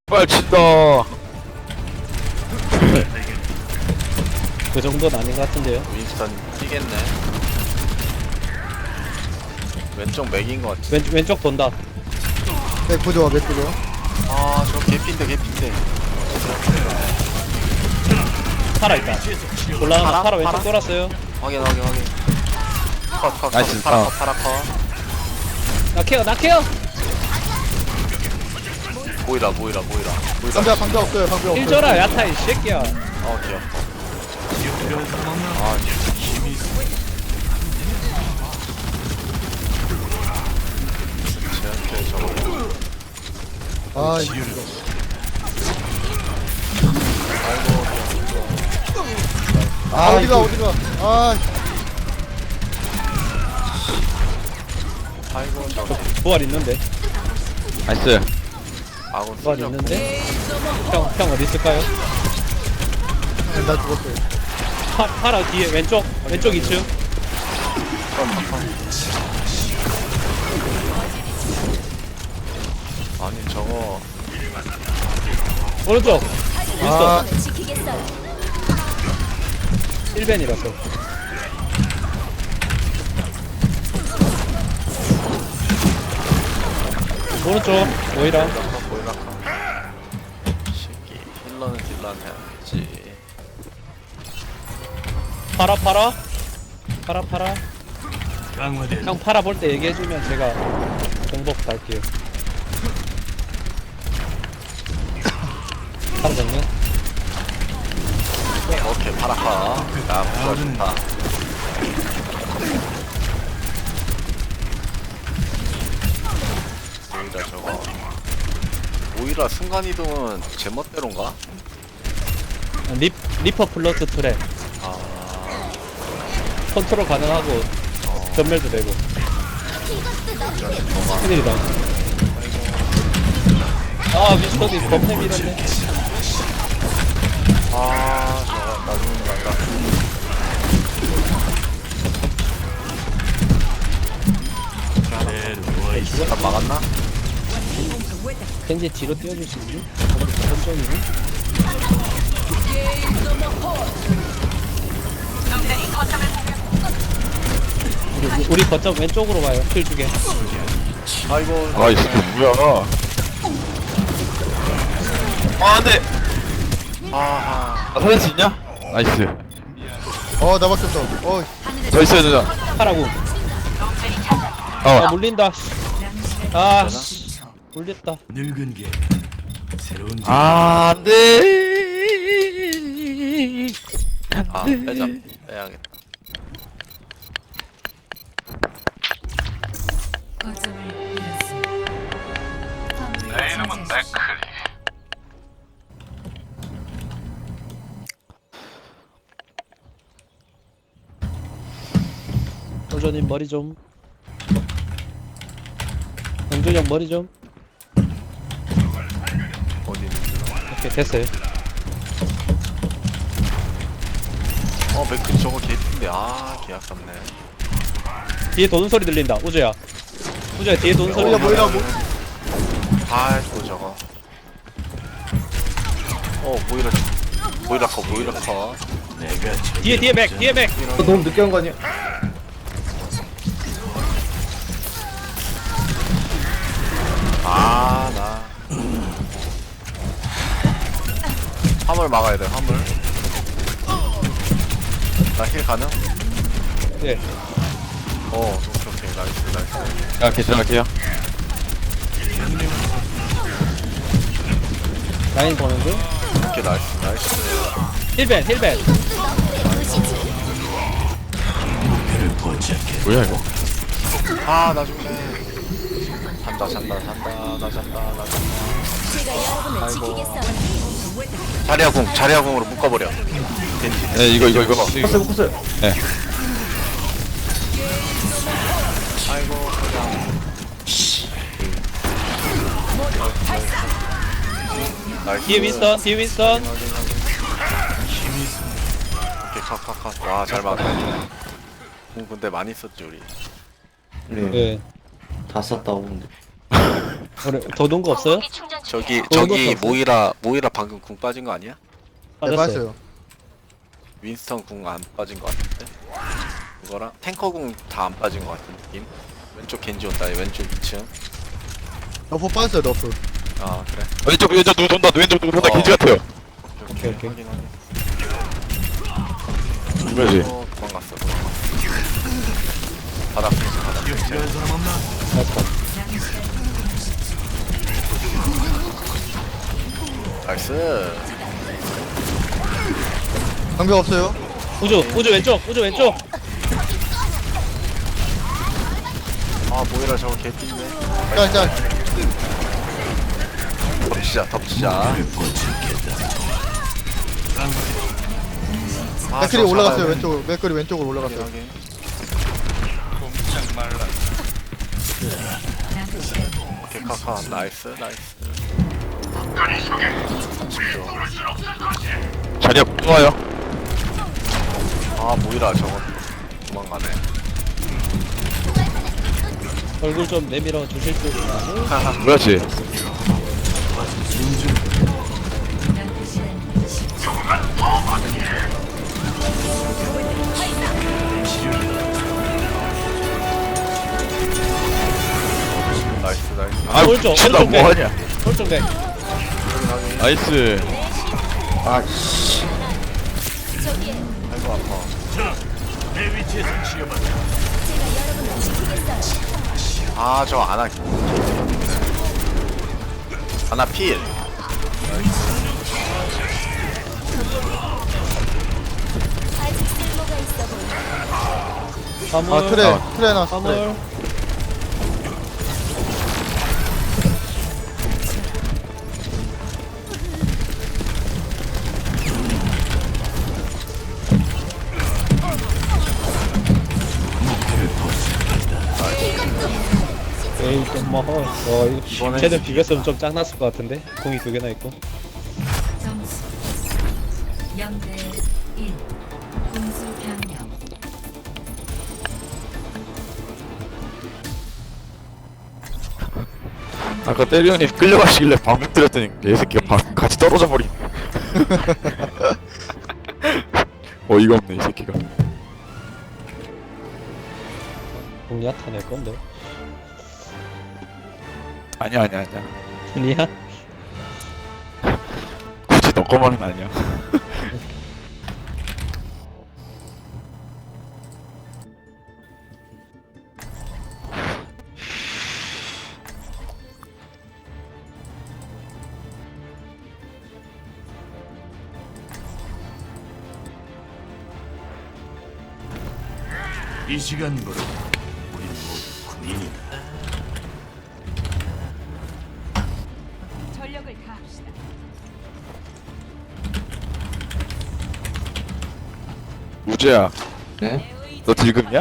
빨친다. 그 정도는 아닌 것 같은데요. 윈스턴 뛰겠네. 왼쪽 맥인 것 같아. 왼쪽 돈다. 맥 부좋아 맥 부좋아. 아, 저 개핀데. 파라 있다. 올라가면 파라? 파라 왼쪽 파라? 돌았어요. 확인. 컷. 나이스. 파라 컷. 나 케어. 보이라. 방벽 없어요 방벽 없어요. 힐 줘라 야타 이 새끼야. 귀엽다. 쟤한테 저거. 아 이거. 아 어디가. 아 아이고, 저거. 부활 있는데. 나이스. 아군 부활 쓸려. 있는데. 형 어디 있을까요? 나 죽었어요. 파라 뒤에 왼쪽 2층. 아니, 저거. 오른쪽. 아 윈스턴. 1벤이라서. 오른쪽 오이라. 보이라 새끼. 힐러는 딜러는 해야지. 파라. 형 파라 볼 때 얘기해주면 제가 공복 갈게요. 파라 정면. 오케이, 파라카. 야, 부가 좋다. 오히려 저거. 오히려 순간이동은 제 멋대로인가? 리퍼 플러스 트랩. 아, 컨트롤 가능하고 전멸도 되고. 큰일이다. 아 미스터디 겁내 밀었네. 아, 저거 나중에 간다. 다 막았나? 겐지 뒤로 띄워줄 수 있니? 천천히. 우리 거점 왼쪽으로 가요. 킬 주게. 아이고, 아, 이 새끼 뭐야? 안돼. 아하. 살릴 수 있냐? 나이스. 나 맞췄어. 저 있어야 되잖아. 하라고. 아 물린다. 아 씨. 물렸다. 늙은 게 새로운 아, 안돼. 아, 빼야겠다. 내 이름은 맥클리. 솔저님 머리 좀. 영준이 형 머리 좀. 어디 있는지. 오케이 됐어요. 맥크 저거 개핀데. 아, 개 아깝네. 뒤에 도는 소리 들린다. 우주야 뒤에 도는 소리. 뭐야 아이고, 저거. 보이라 컷. 내가 뒤에 맥. 너무 늦게 한 거 아니야? 아, 나. 화물 막아야 돼, 화물. 나 힐 가능? 예. 오케이. 나이스. 야, 괜찮을게요. 라인 보는 중. 오케이, 나이스. 힐벤. 뭐야 이거? 아, 나 죽네. 잔다. 아이고. 자리아궁으로 묶어버려. 네, 이거. kus어요. 네. 아이고, 그냥. 나이스. 뒤에 윈스턴. 오케이, 컷. 와, 잘 막았네. 근데 많이 썼지, 우리. 예. 다 썼다고 근데 더 놓은 거 없어요? 저기 그런 저기 것도 모이라 방금 궁 빠진 거 아니야? 네, 빠졌어요. 빠졌어요. 윈스턴 궁 안 빠진 거 같은데? 그거랑 탱커 궁 다 안 빠진 거 같은 느낌? 왼쪽 겐지 온다. 왼쪽 2층. 너프 빠졌어요, 너프. 아 그래. 왼쪽 누구 돈다 왼쪽 누구 돈다 어. 겐지 같아요 오케이. 확인. 그러지 도망갔어. 바닥 피스 바닥 피스. 필요한 사람 없나? 나이스. 방벽 없어요. 우주 왼쪽. 아 모이라 저거 개띠네. 짤. 덮치자. 맥클이 올라갔어요, 왼쪽으로. 맥클이 왼쪽으로 올라갔어요. 확인. 오케이 카카 나이스. 자리야 좋아요 아 모이라 저거 도망가네. 얼굴 좀 내밀어 주실 줄 아는? 그렇지 나이스. 아 오른쪽, 미친다 오른쪽 뭐하냐 오른쪽 내. 나이스 아이고 아파. 내 위치에서 치료받아. 아 저 아나 필. 화물. 아, 트레 나왔어. 트레. 화물. 에이 좀 먹어. 이번엔 쟤는 비겼으면 좀 짱났을 것 같은데. 공이 2개나 있고. 점수 0대 1 공수 변경. 아까 때리 형님 끌려가시길래 방금 때렸더니 얘새끼가 같이 떨어져 버린 어이가 없네 이 새끼가 공 야타 낼 건데. 아니야 아니야? 굳이 너 거만은 아니야 이 시간부로 우린 모두 군인이다. 전력을 다합시다. 우재야 네? 너 딜금이야?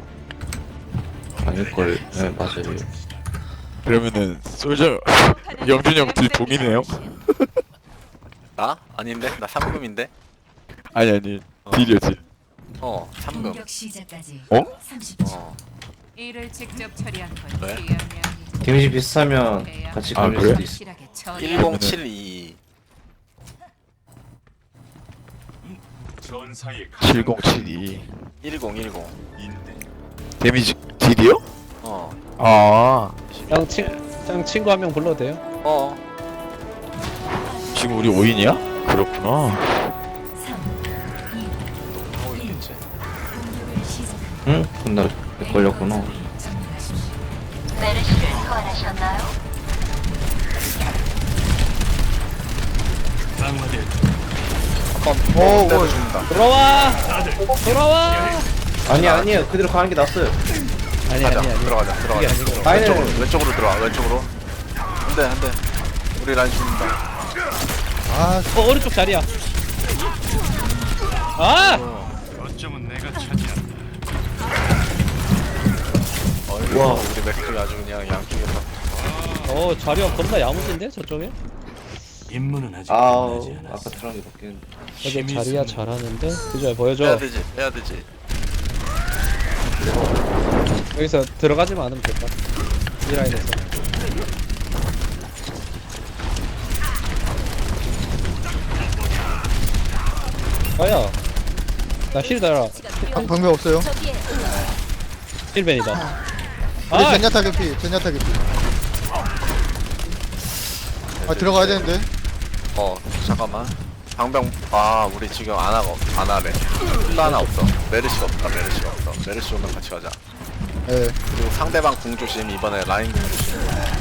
아닐걸. 네, 맞아요. 그러면은 솔저 영준이 형 딜 동이네요? 나? 아닌데? 나 3금인데? 아니 딜이야 딜 3금. 공격 시작까지 어? 30초. 이를 직접 처리한 건 왜? 데미지 비슷하면 같이 아, 걸릴 그래? 수도 있어. 확실하게 처리. 1072. 전사의 7072 1010. 인대. 데미지 딜이요? 아 형 친구 한 명 불러도 돼요? 지금 우리 5인이야? 그렇구나 3, 하고 있겠지. 공격을 시작합니다. 응? 근데 내 걸렸구나. 정리하십시오. 메르시를 소환하셨나요? 강화됐다. 오, 때려줍니다. 돌아와. 아니야. 그대로 가는 게 낫어요. 아니. 들어가자. 이게 아니고. 라인을 왼쪽으로 들어와. 왼쪽으로. 한대. 우리 라인 죽는다. 아, 오른쪽 자리야. 아! 어쩌면 내가 차지한다. 어이구, 와. 우리 맥클이 아주 그냥 양쪽에 다. 자리가 겁나 야무진데 저쪽에? 임무는 아직 아우, 끝나지 않았어. 아까 트랑이 바뀌는. 여기 자리야 잘하는데? 그죠 보여줘. 빼야 되지. 여기서 들어가지만 않으면 될까? 이 라인에서. 가야. 나힐 달아. 방벽 없어요. 힐벤이다. 우리 아, 젠야타 개피. 젠야타 개피. 아 들어가야 되는데. 잠깐만. 방병 우리 지금 안 하래. 힐러 하나 없어. 메르시가 없다. 메르시 오면 같이 가자. 예. 그리고 상대방 궁 조심. 이번에 라인 궁 조심.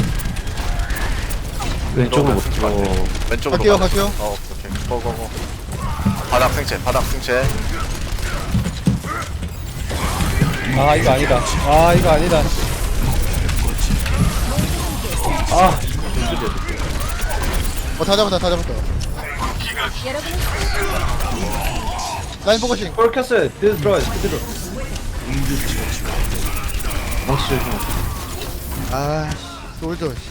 왼쪽으로 못 들어오면 들어. 안 돼. 왼쪽으로 갈게요, 가자. 갈게요. 오케이. 고고고. 바닥 생체. 아 이거 아니다. 아 이거 아니다. 다 잡았다. 라인 포커싱. 볼 켰어요. 그대로 들어가요. 그대로. 망치 조심. 아, 솔저. 씨.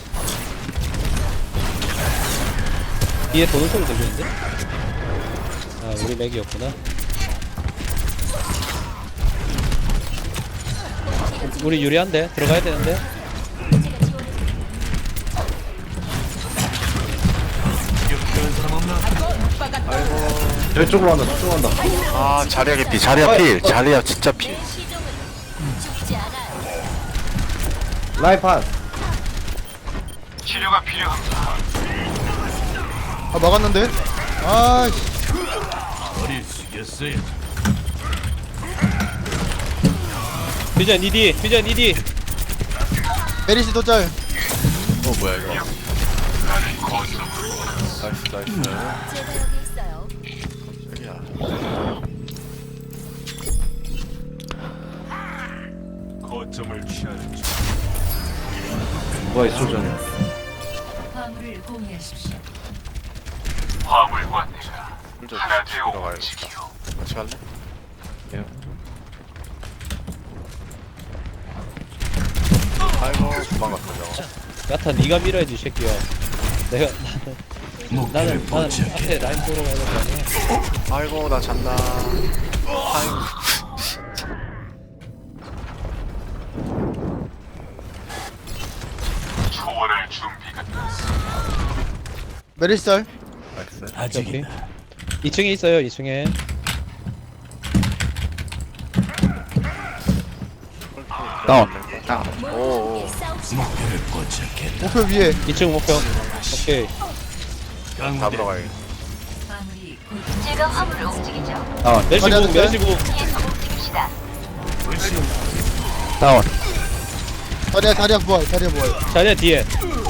뒤에 도는 소리 들리는데? 아 우리 맥이었구나. 우리 유리한데? 들어가야 되는데? 저쪽으로 간다. 저쪽으로 간다. 자리야 개피. 자리야 필. 자리야 진짜 필. 라이판. 아 막았는데. 아, 씨. 머리 숙였어요. 퓨전 니디. 메리시 또 짤. 뭐야 이거. 나이스. 제가 여기 있어요. 야. 거점을 취하는 중. 뭐가 있어 저는. 화물을 공유하십시오. 혼자 죽이러 가야겠다. 같이 갈래? 예. 아이고 도망갔다 저거. 야타 니가 밀어야지 이 새끼야. 내가 나는 포착해. 앞에 라인 보러 가야 될 거 아니야. 아이고 나 잔다. 아이고. 메리시 짤. 나이스. 오케이. 아직이다. 2층에 있어요 2층에. 다운. 오. 목표를 포착했다. 목표 위에. 2층 목표. 오케이. 다 강대 들어가야겠다. 화물이 제가 화물을 움직이죠. 멜시궁. 뒤에서 움직입시다. 다운. 다리야 부활. 자리야 뒤에.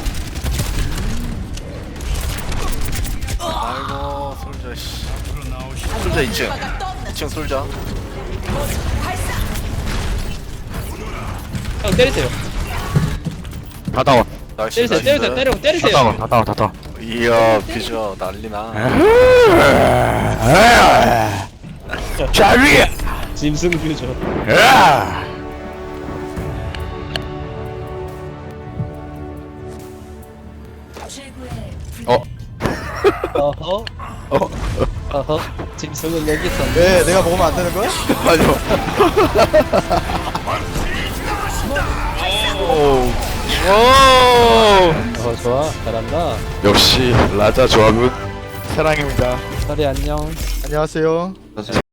아이고 솔저 씨. 솔저 2층 솔저. 형 때리세요. 다 다운. 나이스. 때리세요. 다 다운. 이야 비주얼 난리나. 자리. 짐승 뷰죠. 최고의 어허. 짐승은 여기 있었네. 왜 내가 먹으면 안 되는 거야? 아니요. 오. 좋아. 잘한다. 역시 라자 조합은 사랑입니다. 서리 안녕. 안녕하세요.